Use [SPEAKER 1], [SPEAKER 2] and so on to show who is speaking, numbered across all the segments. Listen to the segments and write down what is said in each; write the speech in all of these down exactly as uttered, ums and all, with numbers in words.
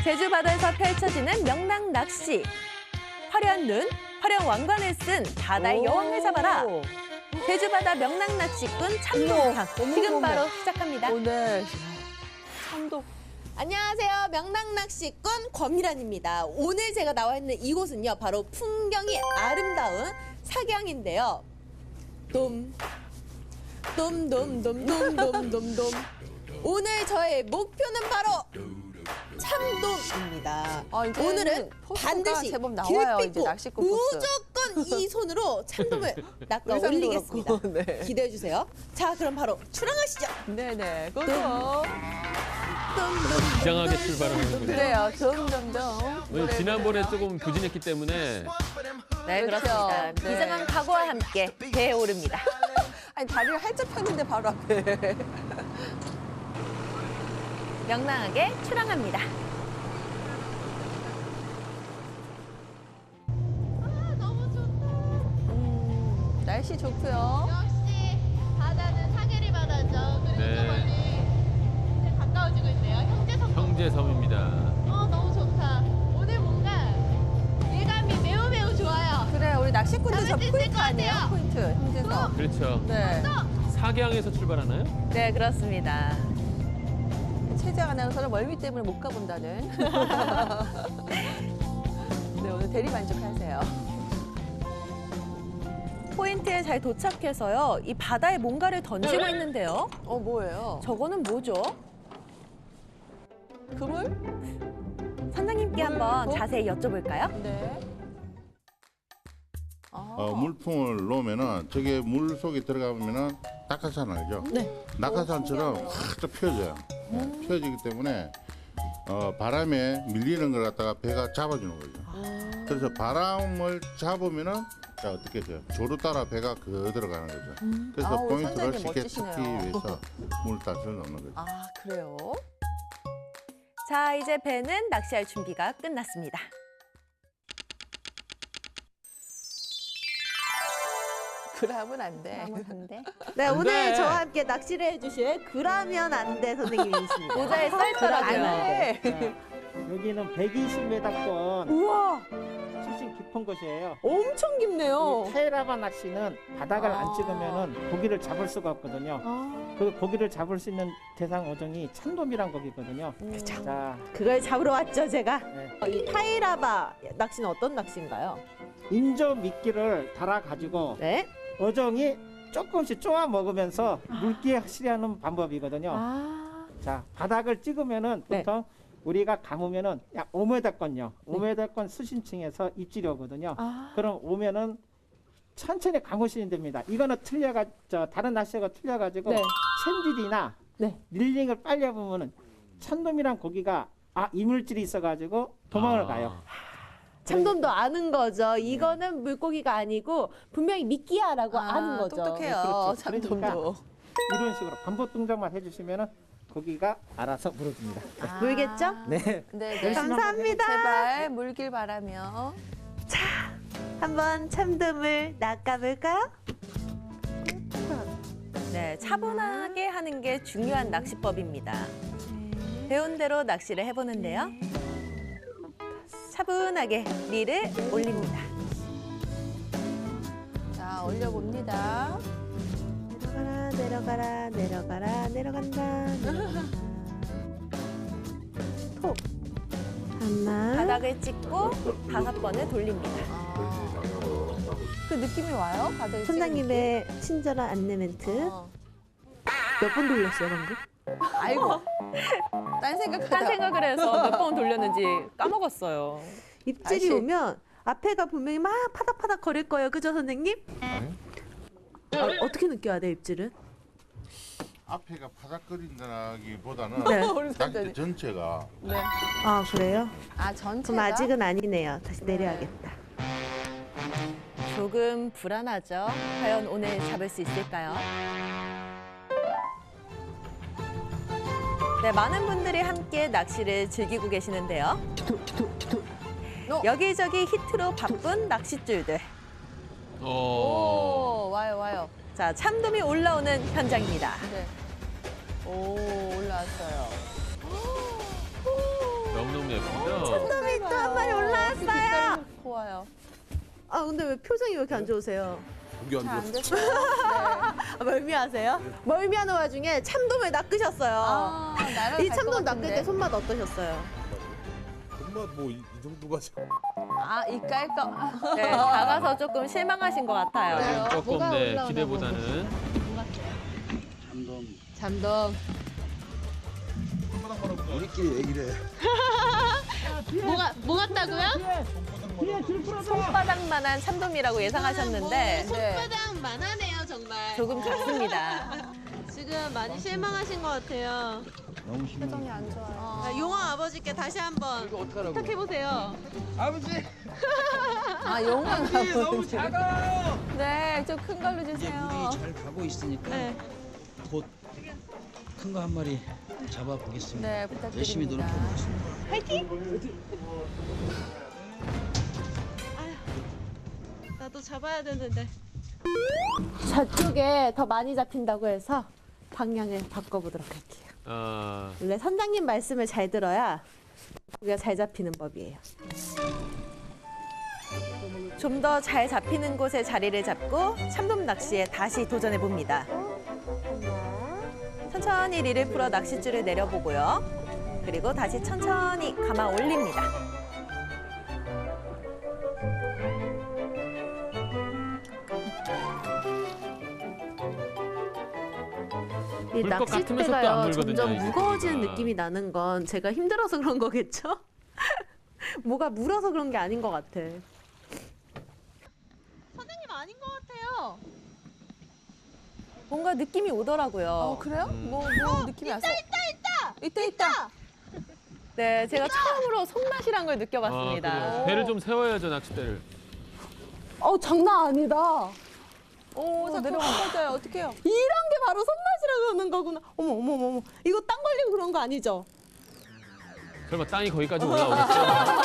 [SPEAKER 1] 제주 바다에서 펼쳐지는 명랑 낚시. 화려한 눈, 화려한 왕관을 쓴 바다의 여왕을 잡아라. 제주 바다 명랑 낚시꾼 참돔탕 지금 바로 시작합니다.
[SPEAKER 2] 오늘 참돔.
[SPEAKER 1] 안녕하세요. 명랑 낚시꾼 권미란입니다. 오늘 제가 나와 있는 이곳은요, 바로 풍경이 아름다운 사계항인데요. 돔, 돔, 돔, 돔, 돔, 돔, 돔, 돔. 오늘 저의 목표는 바로 참돔입니다.
[SPEAKER 2] 아, 이제는
[SPEAKER 1] 오늘은
[SPEAKER 2] 포스가
[SPEAKER 1] 반드시
[SPEAKER 2] 제법 나와요, 이제
[SPEAKER 1] 길피고
[SPEAKER 2] 낚시꾼 포스.
[SPEAKER 1] 무조건 이 손으로 참돔을 낚아
[SPEAKER 2] 의상도
[SPEAKER 1] 올리겠습니다.
[SPEAKER 2] 그렇고, 네.
[SPEAKER 1] 기대해 주세요. 자, 그럼 바로 출항하시죠.
[SPEAKER 2] 네네. 고고.
[SPEAKER 3] 이상하게 출발을 하는군요.
[SPEAKER 2] 그래요. 점점점.
[SPEAKER 3] 오늘 지난번에 조금 부진했기 때문에
[SPEAKER 1] 네,
[SPEAKER 2] 그렇죠.
[SPEAKER 1] 그렇습니다.
[SPEAKER 2] 네.
[SPEAKER 1] 비장한 각오와 함께 배에 오릅니다.
[SPEAKER 2] 아니 다리를 활짝 폈는데 바로 앞에.
[SPEAKER 1] 명랑하게 출항합니다.
[SPEAKER 2] 음, 날씨 좋고요.
[SPEAKER 4] 역시 바다는 사계리 바다죠. 그리고
[SPEAKER 3] 네.
[SPEAKER 4] 저 멀리 이제 가까워지고 있네요. 형제섬.
[SPEAKER 3] 형제섬입니다.
[SPEAKER 4] 어 너무 좋다. 오늘 뭔가 예감이 매우 매우 좋아요.
[SPEAKER 2] 그래 우리 낚시꾼들 저
[SPEAKER 4] 잡을 수 있을
[SPEAKER 2] 포인트
[SPEAKER 4] 것
[SPEAKER 2] 아니에요?
[SPEAKER 4] 같아요.
[SPEAKER 2] 포인트 형제서.
[SPEAKER 3] 그렇죠.
[SPEAKER 2] 네.
[SPEAKER 3] 사계항에서 출발하나요?
[SPEAKER 1] 네, 그렇습니다.
[SPEAKER 2] 최재 아나운서는 멀미 때문에 못 가본다는. 네 오늘 대리 만족하세요.
[SPEAKER 1] 포인트에 잘 도착해서요, 이 바다에 뭔가를 던지고 있는데요.
[SPEAKER 2] 어 뭐예요?
[SPEAKER 1] 저거는 뭐죠?
[SPEAKER 2] 그물?
[SPEAKER 1] 선장님께 한번
[SPEAKER 2] 어?
[SPEAKER 1] 자세히 여쭤볼까요?
[SPEAKER 2] 네. 아.
[SPEAKER 5] 어, 물품을 놓으면은 저게 물 속에 들어가면은 낙하산 알죠?
[SPEAKER 1] 네.
[SPEAKER 5] 낙하산처럼 확 펴져요. 네, 펴지기 때문에 어, 바람에 밀리는 걸 갖다가 배가 잡아주는 거죠. 그래서 바람을 잡으면은 자 어떻게 돼요? 조로 따라 배가 그 들어가는 거죠. 그래서
[SPEAKER 2] 아, 우리
[SPEAKER 5] 포인트를
[SPEAKER 2] 선장님
[SPEAKER 5] 쉽게
[SPEAKER 2] 멋지시네요.
[SPEAKER 5] 찾기 위해서 물단을 넣는 거죠.
[SPEAKER 2] 아 그래요?
[SPEAKER 1] 자, 이제 배는 낚시할 준비가 끝났습니다.
[SPEAKER 2] 그러면 안 돼.
[SPEAKER 6] 네,
[SPEAKER 3] 안
[SPEAKER 6] 오늘
[SPEAKER 3] 돼.
[SPEAKER 6] 저와 함께 낚시를 해주실 그라면 안 돼 선생님이십니다.
[SPEAKER 1] 모자에 썰
[SPEAKER 6] 안
[SPEAKER 1] 떨어져요.
[SPEAKER 6] 돼.
[SPEAKER 2] 네.
[SPEAKER 7] 여기는 백이십 미터권
[SPEAKER 6] 우와,
[SPEAKER 7] 수심 깊은 곳이에요.
[SPEAKER 6] 엄청 깊네요.
[SPEAKER 7] 이 타이라바 낚시는 바닥을
[SPEAKER 2] 아.
[SPEAKER 7] 안 찍으면 고기를 잡을 수가 없거든요.
[SPEAKER 6] 아,
[SPEAKER 7] 그 고기를 잡을 수 있는 대상 어종이 참돔이란 고기거든요. 자,
[SPEAKER 6] 그걸 잡으러 왔죠, 제가.
[SPEAKER 7] 네.
[SPEAKER 6] 어, 이 타이라바 낚시는 어떤 낚시인가요?
[SPEAKER 7] 인조 미끼를 달아가지고
[SPEAKER 6] 네.
[SPEAKER 7] 어종이 조금씩 쪼아 먹으면서 물기에 실현하는 방법이거든요.
[SPEAKER 6] 아,
[SPEAKER 7] 자, 바닥을 찍으면은
[SPEAKER 6] 네.
[SPEAKER 7] 보통 우리가 감으면은 약 오 미터권요. 오 미터권 수심층에서 입질이 오거든요.
[SPEAKER 6] 아,
[SPEAKER 7] 그럼 오면은 천천히 감으시면 됩니다. 이거는 틀려가 저 다른 낚시가 틀려가지고
[SPEAKER 6] 네.
[SPEAKER 7] 샌들이나
[SPEAKER 6] 네.
[SPEAKER 7] 릴링을 빨리 해보면은 참돔이란 고기가 아 이물질이 있어가지고 도망을
[SPEAKER 3] 아.
[SPEAKER 7] 가요.
[SPEAKER 6] 참돔도 아는 거죠. 이거는 물고기가 아니고 분명히 미끼야라고
[SPEAKER 2] 아,
[SPEAKER 6] 아, 는 거죠.
[SPEAKER 2] 똑똑해요.
[SPEAKER 7] 그렇죠.
[SPEAKER 2] 참돔도.
[SPEAKER 7] 이런 식으로 반복 동작만 해주시면은 고기가 알아서 물어줍니다.
[SPEAKER 2] 아.
[SPEAKER 6] 물겠죠?
[SPEAKER 7] 네.
[SPEAKER 2] 네, 네.
[SPEAKER 7] 열심히
[SPEAKER 6] 감사합니다.
[SPEAKER 2] 제발 물길 바라며.
[SPEAKER 6] 한번 참돔을 낚아볼까요?
[SPEAKER 1] 네, 차분하게 하는 게 중요한 낚시법입니다. 배운 대로 낚시를 해보는데요. 차분하게 릴을 올립니다.
[SPEAKER 2] 자 올려봅니다.
[SPEAKER 6] 내려가라, 내려가라, 내려가라, 내려간다. 내려간다. 톡. 하나.
[SPEAKER 1] 바닥을 찍고 다섯 번을 돌립니다.
[SPEAKER 2] 아. 그 느낌이 와요? 바닥에
[SPEAKER 6] 선장님의 친절한 안내 멘트.
[SPEAKER 2] 어.
[SPEAKER 6] 몇 번 돌렸어요, 방금?
[SPEAKER 2] 아이고. 딴 생각하다.
[SPEAKER 1] 딴 생각을 해서 몇 번 돌렸는지 까먹었어요.
[SPEAKER 6] 입질이
[SPEAKER 2] 다시.
[SPEAKER 6] 오면 앞에가 분명히 막 파닥파닥 거릴 거예요. 그죠, 선생님? 아, 어떻게 느껴야 돼요, 입질은?
[SPEAKER 5] 앞에가 바닥거린다기보다는
[SPEAKER 6] 네.
[SPEAKER 2] 우리
[SPEAKER 5] 낚시
[SPEAKER 2] 선장님.
[SPEAKER 5] 전체가
[SPEAKER 2] 네.
[SPEAKER 6] 아, 그래요?
[SPEAKER 2] 아 전체가.
[SPEAKER 6] 그럼 아직은 아니네요. 다시 내려야겠다.
[SPEAKER 1] 조금 불안하죠? 과연 오늘 잡을 수 있을까요? 네, 많은 분들이 함께 낚시를 즐기고 계시는데요. 여기저기 히트로 바쁜 낚싯줄들.
[SPEAKER 3] 어.
[SPEAKER 2] 오 와요 와요.
[SPEAKER 1] 자, 참돔이 올라오는 현장입니다.
[SPEAKER 2] 네. 오 올라왔어요.
[SPEAKER 3] 너무너무 너무 예쁘죠?
[SPEAKER 6] 참돔이 또 한 마리 올라왔어요.
[SPEAKER 2] 고와요.
[SPEAKER 6] 아 근데 왜 표정이 왜 이렇게 안 좋으세요?
[SPEAKER 2] 잘 안 됐어요. 네.
[SPEAKER 6] 아, 멀미하세요? 멀미하는 와중에 참돔을 낚으셨어요.
[SPEAKER 2] 아, 날아갈
[SPEAKER 6] 이
[SPEAKER 2] 것
[SPEAKER 6] 참돔 낚을
[SPEAKER 2] 같은데.
[SPEAKER 6] 때 손맛 어떠셨어요?
[SPEAKER 8] 정말 뭐이 이 정도가 지금
[SPEAKER 2] 아, 이깔까?
[SPEAKER 6] 네, 작아서 조금 실망하신 것 같아요.
[SPEAKER 2] 그래요?
[SPEAKER 3] 조금
[SPEAKER 2] 뭐가
[SPEAKER 3] 네,
[SPEAKER 2] 올라오나
[SPEAKER 3] 기대보다는
[SPEAKER 4] 잠돔.
[SPEAKER 8] 우리끼리 얘기를 해.
[SPEAKER 4] 뭐가 뭐 같다고요?
[SPEAKER 6] 손바닥만한 참돔이라고 예상하셨는데
[SPEAKER 4] 뭐 손바닥만 하네요 정말.
[SPEAKER 6] 조금 작습니다.
[SPEAKER 4] 지금 많이 실망하신 것 같아요.
[SPEAKER 8] 너무 심해.
[SPEAKER 2] 표정이 안 좋아요.
[SPEAKER 4] 아, 용왕 아버지께 다시 한번 부탁해 보세요.
[SPEAKER 8] 아버지,
[SPEAKER 2] 아, 용왕
[SPEAKER 8] 아버지 너무 작아.
[SPEAKER 2] 네, 좀 큰 걸로
[SPEAKER 9] 이제
[SPEAKER 2] 주세요.
[SPEAKER 9] 물이 잘 가고 있으니까
[SPEAKER 4] 네.
[SPEAKER 9] 곧 큰 거 한 마리 잡아 보겠습니다.
[SPEAKER 2] 네, 부탁드립니다.
[SPEAKER 9] 열심히 노력해 보겠습니다.
[SPEAKER 4] 나도 잡아야 되는데.
[SPEAKER 6] 저쪽에 더 많이 잡힌다고 해서 방향을 바꿔보도록 할게요.
[SPEAKER 3] 아,
[SPEAKER 6] 원래 선장님 말씀을 잘 들어야 고기가 잘 잡히는 법이에요. 좀 더 잘 잡히는 곳에 자리를 잡고 참돔 낚시에 다시 도전해 봅니다. 천천히 릴을 풀어 낚싯줄을 내려보고요. 그리고 다시 천천히 감아 올립니다. 이
[SPEAKER 3] 물것 같으면서 또안
[SPEAKER 6] 낚싯대가요
[SPEAKER 3] 물거든요,
[SPEAKER 6] 점점
[SPEAKER 3] 이
[SPEAKER 6] 무거워지는
[SPEAKER 3] 고기가.
[SPEAKER 6] 느낌이 나는 건 제가 힘들어서 그런 거겠죠? 뭐가 물어서 그런 게 아닌 것 같아.
[SPEAKER 4] 선생님 아닌 것 같아요.
[SPEAKER 6] 뭔가 느낌이 오더라고요.
[SPEAKER 2] 어, 그래요?
[SPEAKER 3] 음.
[SPEAKER 2] 뭐, 뭐 느낌이 왔어? 있다, 있다, 있다! 있다, 있다!
[SPEAKER 6] 네, 제가 처음으로 손맛이란 걸
[SPEAKER 3] 아,
[SPEAKER 6] 느껴봤습니다.
[SPEAKER 3] 그래요. 배를 좀 세워야죠, 낚싯대를.
[SPEAKER 6] 어, 장난 아니다.
[SPEAKER 2] 오, 자꾸 꺼져요. 어떡해요?
[SPEAKER 6] 이런 게 바로 손맛이라고 하는 거구나. 어머, 어머, 어머, 어머. 이거 땅 걸리고 그런 거 아니죠?
[SPEAKER 3] 설마 땅이 거기까지 올라오겠죠?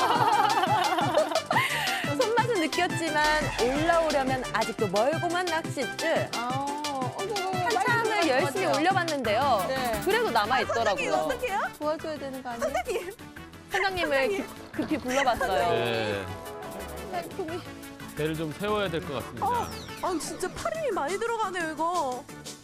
[SPEAKER 6] 손맛은 느꼈지만 올라오려면 아직도 멀고만 낚싯줄.
[SPEAKER 2] 아, 어머, 어머,
[SPEAKER 6] 한참을 열심히 올려봤는데요.
[SPEAKER 2] 네.
[SPEAKER 6] 그래도 남아있더라고요. 어떡해요?
[SPEAKER 2] 도와줘야 되는 거 아니에요?
[SPEAKER 6] 선장님을 기- 급히 불러봤어요.
[SPEAKER 3] 네.
[SPEAKER 2] 상품이.
[SPEAKER 3] 배를 좀 세워야 될 것 같습니다.
[SPEAKER 6] 아, 진짜 팔 힘이 많이 들어가네요, 이거.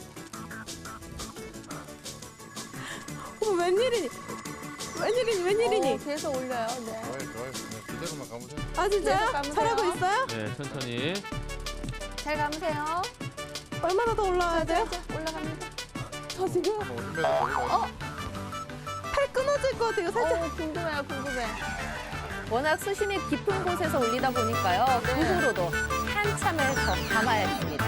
[SPEAKER 6] 어머, 웬일이니? 웬일이니, 웬일이니?
[SPEAKER 2] 어, 계속 올려요. 네.
[SPEAKER 5] 좋아요, 좋아요. 그냥 그대로만 가보세요.
[SPEAKER 6] 아, 진짜요?
[SPEAKER 2] 계속 감으세요.
[SPEAKER 6] 잘하고 있어요?
[SPEAKER 3] 네, 천천히.
[SPEAKER 2] 잘 감으세요.
[SPEAKER 6] 얼마나 더 올라와야 돼요?
[SPEAKER 2] 자, 올라갑니다.
[SPEAKER 6] 저 지금
[SPEAKER 5] 뭐 오십 미터 더 올라가요.
[SPEAKER 6] 팔 끊어질 것 같아요, 살짝.
[SPEAKER 2] 어, 궁금해요, 궁금해.
[SPEAKER 6] 워낙 수심이 깊은 곳에서 올리다 보니까요. 그후로도 한참을 더 감아야 됩니다.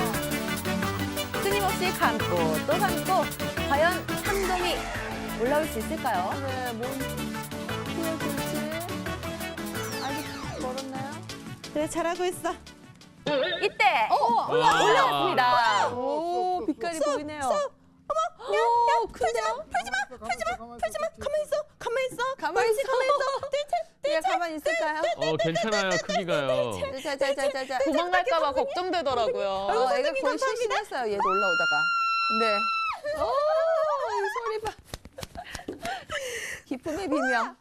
[SPEAKER 6] 끊임없이 감고 또 감고 과연 참돔이 올라올 수 있을까요?
[SPEAKER 2] 네, 뭔 키워줄지. 아직 멀었나요?
[SPEAKER 6] 그래, 잘하고 있어. 이때
[SPEAKER 3] 와.
[SPEAKER 6] 올라왔습니다.
[SPEAKER 2] 오, 빛깔이 보이네요.
[SPEAKER 6] 야, 야, 풀지마, 풀지마, 풀지마, 풀지마. 가만히 있어, 가만히 있어.
[SPEAKER 2] 가만히 있어.
[SPEAKER 6] 가만히 있어.
[SPEAKER 2] 얘 가만히 있을까요?
[SPEAKER 3] 어, 괜찮아요, 크기가요.
[SPEAKER 2] 자, 자, 자, 자, 자.
[SPEAKER 6] 도망갈까봐 걱정되더라고요.
[SPEAKER 2] 어, 애가 거의 실신했어요. 얘도 올라오다가. 네. 오, 이 소리 봐. 기쁨의 비명.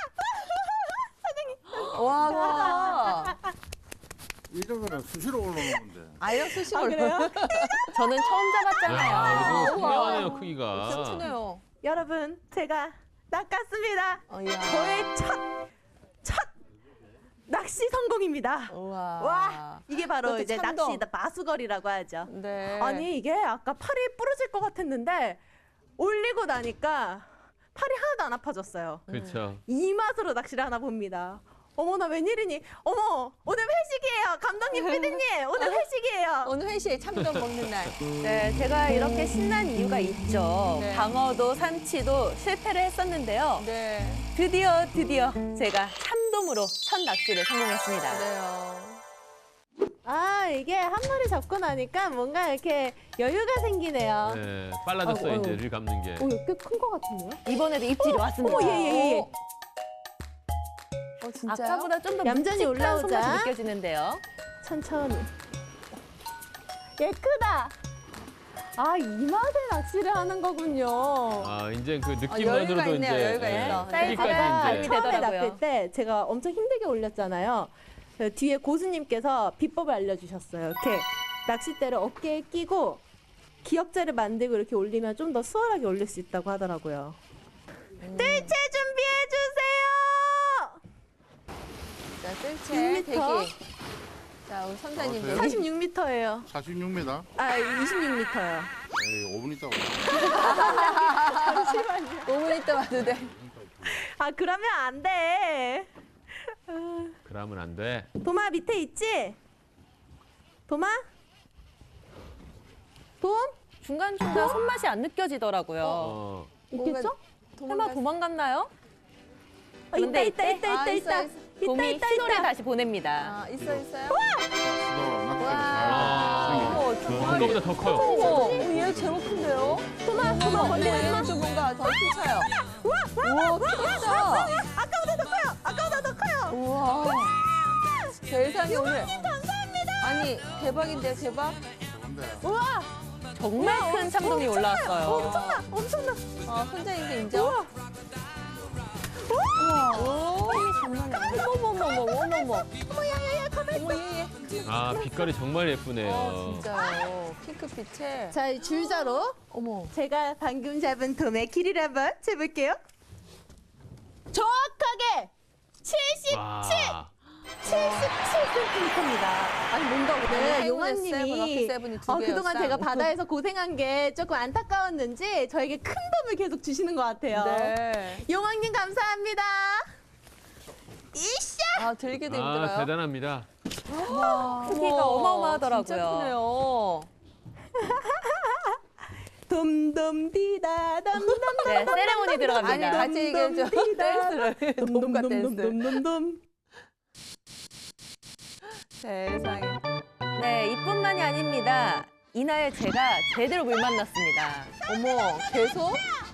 [SPEAKER 2] 와, 와.
[SPEAKER 5] 이 정도면 수시로 올라오는 건데.
[SPEAKER 2] 아, 이런 수식을. 아, 그래요?
[SPEAKER 6] 저는 처음
[SPEAKER 3] 야,
[SPEAKER 6] 잡았잖아요.
[SPEAKER 3] 그래도 선명하네요, 크기가.
[SPEAKER 2] 튼튼해요.
[SPEAKER 6] 여러분, 제가 낚았습니다.
[SPEAKER 2] 어, 야.
[SPEAKER 6] 저의 첫, 첫 낚시 성공입니다.
[SPEAKER 2] 우와.
[SPEAKER 6] 와, 이게 바로
[SPEAKER 2] 그것도
[SPEAKER 6] 이제
[SPEAKER 2] 참돔.
[SPEAKER 6] 낚시 마수거리라고 하죠.
[SPEAKER 2] 네.
[SPEAKER 6] 아니, 이게 아까 팔이 부러질 것 같았는데 올리고 나니까 팔이 하나도 안 아파졌어요.
[SPEAKER 3] 그렇죠.
[SPEAKER 6] 이 맛으로 낚시를 하나 봅니다. 어머나, 웬일이니? 어머, 오늘 회식이에요. 감독님, 피디님, 오늘 회식이에요.
[SPEAKER 2] 오늘 회시에 참돔 먹는 날.
[SPEAKER 6] 네, 제가 이렇게 신난 이유가 있죠.
[SPEAKER 2] 네.
[SPEAKER 6] 방어도 삼치도 실패를 했었는데요.
[SPEAKER 2] 네.
[SPEAKER 6] 드디어 드디어 제가 참돔으로 첫 낚시를 성공했습니다.
[SPEAKER 2] 그래요.
[SPEAKER 6] 아, 이게 한 마리 잡고 나니까 뭔가 이렇게 여유가 생기네요.
[SPEAKER 3] 네, 빨라졌어요,
[SPEAKER 6] 아이고,
[SPEAKER 3] 이제
[SPEAKER 6] 아이고.
[SPEAKER 3] 릴 감는 게.
[SPEAKER 6] 오, 꽤 큰 것 같은데요? 이번에도 입질이 왔습니다.
[SPEAKER 2] 어머,
[SPEAKER 6] 예, 예, 예.
[SPEAKER 2] 어, 어, 진짜요?
[SPEAKER 6] 아까보다 좀 더 얌전히
[SPEAKER 2] 올라오자.
[SPEAKER 6] 손맛이 느껴지는데요. 천천히. 얘 크다.
[SPEAKER 1] 아, 이 맛에 낚시를 하는 거군요.
[SPEAKER 3] 아, 이제 그
[SPEAKER 2] 아, 여유가
[SPEAKER 3] 느낌만으로도
[SPEAKER 2] 있네요,
[SPEAKER 3] 이제
[SPEAKER 2] 여유가
[SPEAKER 3] 예,
[SPEAKER 2] 있어.
[SPEAKER 3] 크기까지
[SPEAKER 1] 사이즈가
[SPEAKER 3] 이제
[SPEAKER 1] 처음에
[SPEAKER 2] 되더라고요.
[SPEAKER 1] 낚을 때 제가 엄청 힘들게 올렸잖아요. 그 뒤에 고수님께서 비법을 알려주셨어요. 이렇게 낚싯대를 어깨에 끼고 기역자를 만들고 이렇게 올리면 좀 더 수월하게 올릴 수 있다고 하더라고요. 뜰채 준비해 주세요.
[SPEAKER 2] 자,
[SPEAKER 1] 육
[SPEAKER 2] 뜰채
[SPEAKER 1] 미터.
[SPEAKER 2] 대기. 자, 우리 선생님
[SPEAKER 5] 어,
[SPEAKER 2] 대기.
[SPEAKER 1] 사십육 미터예요.
[SPEAKER 5] 사십육 미터.
[SPEAKER 1] 아, 이십육 미터요.
[SPEAKER 5] 에이, 오 분 있다고.
[SPEAKER 2] 오 분 있다 와도 돼.
[SPEAKER 1] 아, 그러면 안 돼.
[SPEAKER 3] 그러면 안 돼.
[SPEAKER 1] 도마 밑에 있지? 도마? 돔?
[SPEAKER 10] 중간중간 손맛이 안 느껴지더라고요.
[SPEAKER 3] 어.
[SPEAKER 1] 있겠죠?
[SPEAKER 10] 설마 도망갔나요?
[SPEAKER 1] 어, 있다, 있다, 있다,
[SPEAKER 2] 아,
[SPEAKER 1] 있다,
[SPEAKER 2] 있어,
[SPEAKER 1] 있다.
[SPEAKER 2] 있어.
[SPEAKER 1] 있다,
[SPEAKER 10] 돔이
[SPEAKER 1] 있다,
[SPEAKER 10] 신호를
[SPEAKER 1] 있다.
[SPEAKER 10] 다시 보냅니다.
[SPEAKER 2] 아, 있어, 있어요?
[SPEAKER 5] 수도 낚시가
[SPEAKER 3] 아.
[SPEAKER 5] 잘 생겨요.
[SPEAKER 3] 아까보다 더 커요.
[SPEAKER 2] 어머, 얘 제법 큰데요?
[SPEAKER 1] 도마, 도마,
[SPEAKER 2] 어머,
[SPEAKER 1] 걸리지
[SPEAKER 2] 얘는
[SPEAKER 1] 마.
[SPEAKER 2] 좀 뭔가 더 힘차요.
[SPEAKER 1] 우와,
[SPEAKER 2] 우와, 크다.
[SPEAKER 1] 아까보다 더 커요. 아까보다 더 커요.
[SPEAKER 2] 우와. 세상에 오늘.
[SPEAKER 1] 감사합니다.
[SPEAKER 2] 아니, 대박인데요, 대박?
[SPEAKER 5] 좋은데.
[SPEAKER 1] 우와,
[SPEAKER 10] 정말 큰 참돔이 올라왔어요.
[SPEAKER 1] 엄청나, 엄청나.
[SPEAKER 2] 아, 선생님도 인정?
[SPEAKER 1] 우와.
[SPEAKER 2] 오, 장난이 아니야. 어머머머머, 어머머.
[SPEAKER 1] 어머, 야야야, 가만 있어.
[SPEAKER 2] 어머, 얘, 얘.
[SPEAKER 3] 아, 빛깔이 정말
[SPEAKER 2] 어,
[SPEAKER 3] 예쁘네요.
[SPEAKER 2] 진짜요. 핑크빛에.
[SPEAKER 1] 자, 이 줄자로
[SPEAKER 2] 어머.
[SPEAKER 1] 제가 방금 잡은 돔의 길이를 한번 재볼게요. 정확하게 칠십칠,
[SPEAKER 3] 와.
[SPEAKER 1] 칠십칠 센티미터입니다. 아니 뭔가 오늘
[SPEAKER 2] 아니, 행운의
[SPEAKER 1] 용환님이
[SPEAKER 2] 세븐, 럭키 세븐이 두
[SPEAKER 1] 어,
[SPEAKER 2] 개예요,
[SPEAKER 1] 그동안
[SPEAKER 2] 쌍.
[SPEAKER 1] 제가 바다에서 고생한 게 조금 안타까웠는지 저에게 큰 돔을 계속 주시는 것 같아요.
[SPEAKER 2] 네.
[SPEAKER 1] 용환님 감사합니다. 이샤!
[SPEAKER 2] 아, 들기도
[SPEAKER 3] 아,
[SPEAKER 2] 힘들어요.
[SPEAKER 3] 대단합니다.
[SPEAKER 10] 크기가
[SPEAKER 2] 우와,
[SPEAKER 10] 어마어마하더라고요.
[SPEAKER 2] 진짜 크네요.
[SPEAKER 1] 돔돔 디다 돔돔
[SPEAKER 10] 네, 세레모니
[SPEAKER 2] 아니,
[SPEAKER 10] 들어갑니다.
[SPEAKER 2] 같이 얘기해줘. 댄스를. 돔과 댄스.
[SPEAKER 1] 돔돔돔돔돔돔.
[SPEAKER 2] 세상에.
[SPEAKER 10] 네, 이뿐만이 아닙니다. 이날 제가 제대로 물 만났습니다.
[SPEAKER 2] 어머, 계속?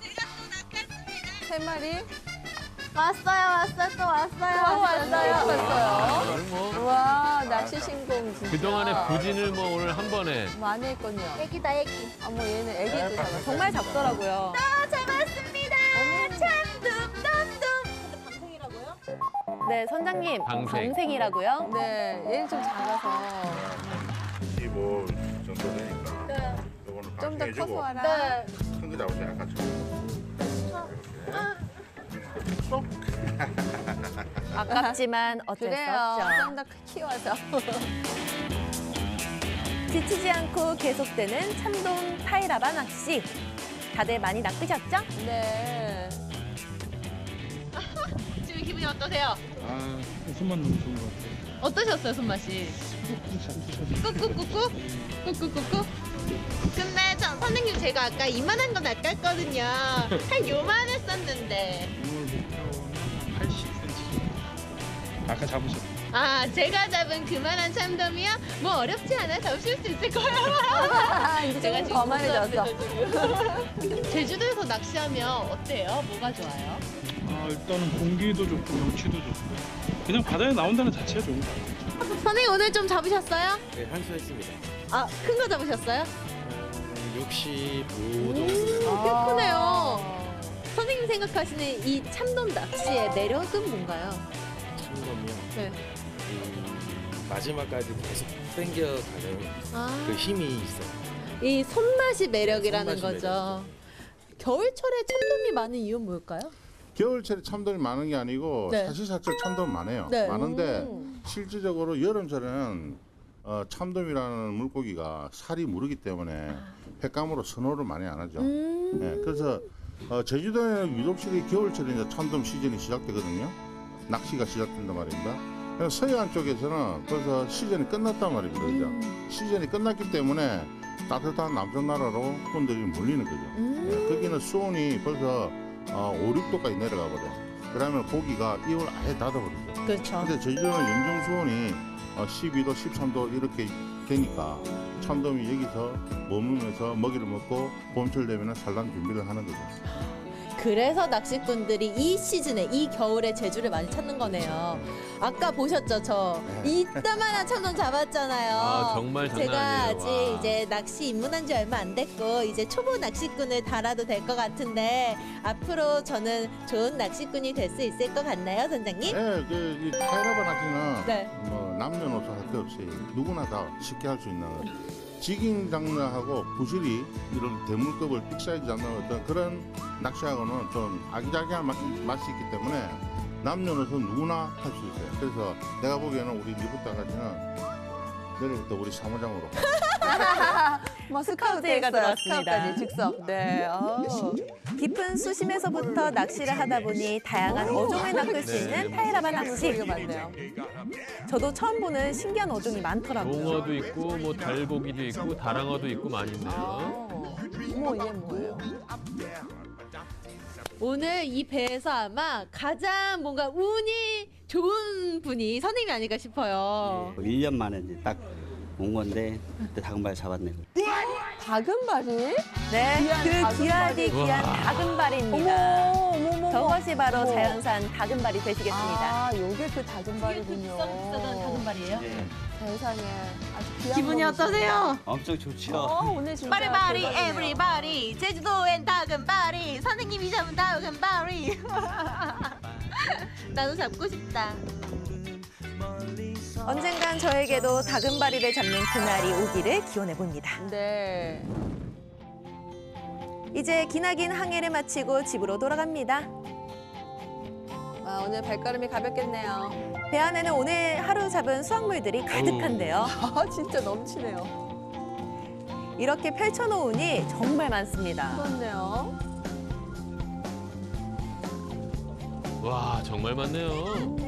[SPEAKER 2] 세 마리?
[SPEAKER 1] 왔어요, 왔어요, 또 왔어요.
[SPEAKER 2] 또 왔어요. 또 왔어요.
[SPEAKER 3] 오늘 뭐
[SPEAKER 2] 와, 낚시 신공 진짜.
[SPEAKER 3] 그동안의 부진을 뭐 오늘 한 번에
[SPEAKER 2] 많이 했군요.
[SPEAKER 1] 애기다, 애기.
[SPEAKER 2] 어머, 얘는 애기도 잡았어.
[SPEAKER 10] 정말 작더라고요.
[SPEAKER 1] 아, 잡았습니다. 참돔, 돔돔. 방생이라고요?
[SPEAKER 10] 네, 선장님.
[SPEAKER 3] 방생.
[SPEAKER 10] 방생이라고요?
[SPEAKER 2] 네, 얘는 좀 작아서.
[SPEAKER 5] 이십오 정도 되니까.
[SPEAKER 1] 네.
[SPEAKER 5] 요거는
[SPEAKER 2] 좀 더
[SPEAKER 5] 방생해주고
[SPEAKER 2] 커서 와라.
[SPEAKER 1] 네.
[SPEAKER 5] 큰거 잡으세요, 같이.
[SPEAKER 10] 아깝지만 어쩔 수
[SPEAKER 2] 그래요.
[SPEAKER 10] 없죠.
[SPEAKER 2] 좀 더 키워서.
[SPEAKER 10] 지치지 않고 계속되는 참돔 타이라바 낚시. 다들 많이 낚으셨죠?
[SPEAKER 2] 네.
[SPEAKER 4] 지금 기분이 어떠세요?
[SPEAKER 9] 아, 손만 너무 좋은 것 같아요.
[SPEAKER 4] 어떠셨어요, 손맛이? 꾹꾹꾹꾹? 꾹꾹꾹꾹? 근데 저 선생님 제가 아까 이만한 거 낚았거든요. 한 요만 했었는데.
[SPEAKER 9] 오늘 목표는 팔십 센티미터. 아까 잡으셨죠?
[SPEAKER 4] 아, 제가 잡은 그만한 참돔이요? 뭐 어렵지 않아 잡으실 수 있을 거예요.
[SPEAKER 2] 이제
[SPEAKER 4] 제가
[SPEAKER 2] 좀
[SPEAKER 4] 지금
[SPEAKER 2] 거만해졌어.
[SPEAKER 4] 지금. 제주도에서 낚시하면 어때요? 뭐가 좋아요?
[SPEAKER 9] 아, 일단은 공기도 좋고 경치도 좋고 그냥 바다에 나온다는 자체가 좋은 것 같아요.
[SPEAKER 1] 선생님 오늘 좀 잡으셨어요?
[SPEAKER 11] 네, 한수했습니다.
[SPEAKER 1] 아, 큰 거 잡으셨어요?
[SPEAKER 11] 육십오 정도.
[SPEAKER 1] 꽤 크네요. 선생님 생각하시는 이 참돔 낚시의 매력은 뭔가요?
[SPEAKER 11] 참돔이요.
[SPEAKER 1] 네.
[SPEAKER 11] 이 마지막까지 계속 당겨가는
[SPEAKER 1] 아,
[SPEAKER 11] 그 힘이 있어요.
[SPEAKER 1] 이 손맛이 매력이라는
[SPEAKER 11] 손맛이
[SPEAKER 1] 거죠. 겨울철에 참돔이 많은 이유는 뭘까요?
[SPEAKER 5] 겨울철에 참돔이 많은 게 아니고
[SPEAKER 1] 네.
[SPEAKER 5] 사시사철 참돔 많아요.
[SPEAKER 1] 네.
[SPEAKER 5] 많은데 실질적으로 여름철에는 어, 참돔이라는 물고기가 살이 무르기 때문에 횟감으로 선호를 많이 안 하죠.
[SPEAKER 1] 음.
[SPEAKER 5] 예, 그래서 어, 제주도에는 유독실이 겨울철에 이제 참돔 시즌이 시작되거든요. 낚시가 시작된단 말입니다. 그래서 서해안 쪽에서는 벌써 시즌이 끝났단 말입니다. 그죠?
[SPEAKER 1] 음.
[SPEAKER 5] 시즌이 끝났기 때문에 따뜻한 남쪽 나라로 분들이 몰리는 거죠.
[SPEAKER 1] 음.
[SPEAKER 5] 예, 거기는 수온이 벌써 어, 오, 육 도까지 내려가 버려. 그러면 고기가 입을 아예 닫아버리죠.
[SPEAKER 1] 그렇죠.
[SPEAKER 5] 근데 제주도는 영정 수온이 어, 십이 도, 십삼 도 이렇게 되니까 참돔이 여기서 머무면서 먹이를 먹고 봄철 되면 산란 준비를 하는 거죠.
[SPEAKER 1] 그래서 낚시꾼들이 이 시즌에 이 겨울에 제주를 많이 찾는 거네요. 아까 보셨죠? 저 이따만한 참돔 잡았잖아요.
[SPEAKER 3] 아, 정말 장난
[SPEAKER 1] 제가
[SPEAKER 3] 아니에요.
[SPEAKER 1] 아직
[SPEAKER 3] 와.
[SPEAKER 1] 이제 낚시 입문한 지 얼마 안 됐고 이제 초보 낚시꾼을 달아도 될 것 같은데 앞으로 저는 좋은 낚시꾼이 될 수 있을 것 같나요, 선장님?
[SPEAKER 5] 네, 그, 이 타이라바 낚시는
[SPEAKER 1] 네.
[SPEAKER 5] 뭐 남녀노소 할 것 없이 누구나 다 쉽게 할 수 있는 지깅 장르하고 부실이 이런 대물급을 빅사이즈 잡는 어떤 그런 낚시하고는 좀 아기자기한 맛, 맛이 있기 때문에 남녀노소 누구나 할 수 있어요. 그래서 내가 보기에는 우리 리부터까지는 내일부터 우리 사무장으로
[SPEAKER 2] 뭐
[SPEAKER 10] 스카우트가
[SPEAKER 2] 스카우트가
[SPEAKER 10] 들어왔습니다.
[SPEAKER 2] 스카우트까지 즉석. 네. 어.
[SPEAKER 10] 깊은 수심에서부터 낚시를 하다 보니 다양한 어종을 낚을 수 있는 타이라바 낚시.
[SPEAKER 2] 소리가 많네요.
[SPEAKER 10] 저도 처음 보는 신기한 어종이 많더라고요.
[SPEAKER 3] 농어도 있고 뭐 달고기도 있고 다랑어도 있고 많이 있네요.
[SPEAKER 2] 어. 어머 이게 뭐예요?
[SPEAKER 1] 오늘 이 배에서 아마 가장 뭔가 운이 좋은 분이 선생님이 아닐까 싶어요.
[SPEAKER 12] 일 년 만에 이제 딱 온 건데 그때 다금발 잡았네요.
[SPEAKER 2] 다금바리?
[SPEAKER 10] 네,
[SPEAKER 2] 귀한
[SPEAKER 10] 그
[SPEAKER 2] 다금바리.
[SPEAKER 10] 귀하디 귀한
[SPEAKER 3] 우와.
[SPEAKER 10] 다금바리입니다.
[SPEAKER 2] 어머, 어머, 어머.
[SPEAKER 10] 저것이 바로
[SPEAKER 2] 어머.
[SPEAKER 10] 자연산 다금바리 되시겠습니다.
[SPEAKER 2] 아, 요게 그 다금바리군요.
[SPEAKER 1] 다금발이에요?
[SPEAKER 12] 네.
[SPEAKER 2] 세상에 아주 귀한
[SPEAKER 6] 기분이
[SPEAKER 2] 거구나.
[SPEAKER 6] 어떠세요?
[SPEAKER 12] 엄청 좋죠.
[SPEAKER 2] 어, 오늘 진짜
[SPEAKER 1] 바리바리
[SPEAKER 2] 대박이네요.
[SPEAKER 1] 에브리바리 제주도엔 다금바리 선생님이 잡은 다금바리 나도 잡고 싶다.
[SPEAKER 10] 언젠간 저에게도 다금바리를 잡는 그날이 오기를 기원해 봅니다.
[SPEAKER 2] 네.
[SPEAKER 10] 이제 기나긴 항해를 마치고 집으로 돌아갑니다.
[SPEAKER 2] 아, 오늘 발걸음이 가볍겠네요.
[SPEAKER 10] 배 안에는 오늘 하루 잡은 수확물들이 가득한데요.
[SPEAKER 2] 아, 진짜 넘치네요.
[SPEAKER 10] 이렇게 펼쳐놓으니 정말 많습니다.
[SPEAKER 2] 그렇네요.
[SPEAKER 3] 와, 정말 많네요.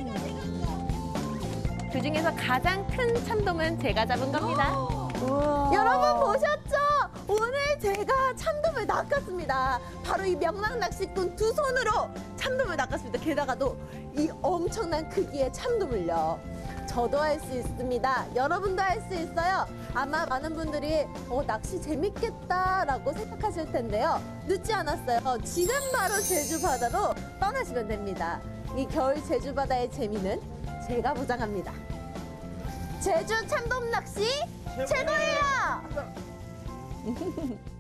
[SPEAKER 10] 그중에서 가장 큰 참돔은 제가 잡은 겁니다.
[SPEAKER 1] 여러분 보셨죠? 오늘 제가 참돔을 낚았습니다. 바로 이 명랑 낚시꾼 두 손으로 참돔을 낚았습니다. 게다가도 이 엄청난 크기의 참돔을요. 저도 할 수 있습니다. 여러분도 할 수 있어요. 아마 많은 분들이 어, 낚시 재밌겠다라고 생각하실 텐데요. 늦지 않았어요. 지금 바로 제주 바다로 떠나시면 됩니다. 이 겨울 제주 바다의 재미는 제가 보장합니다. 제주 참돔 낚시 최고예요!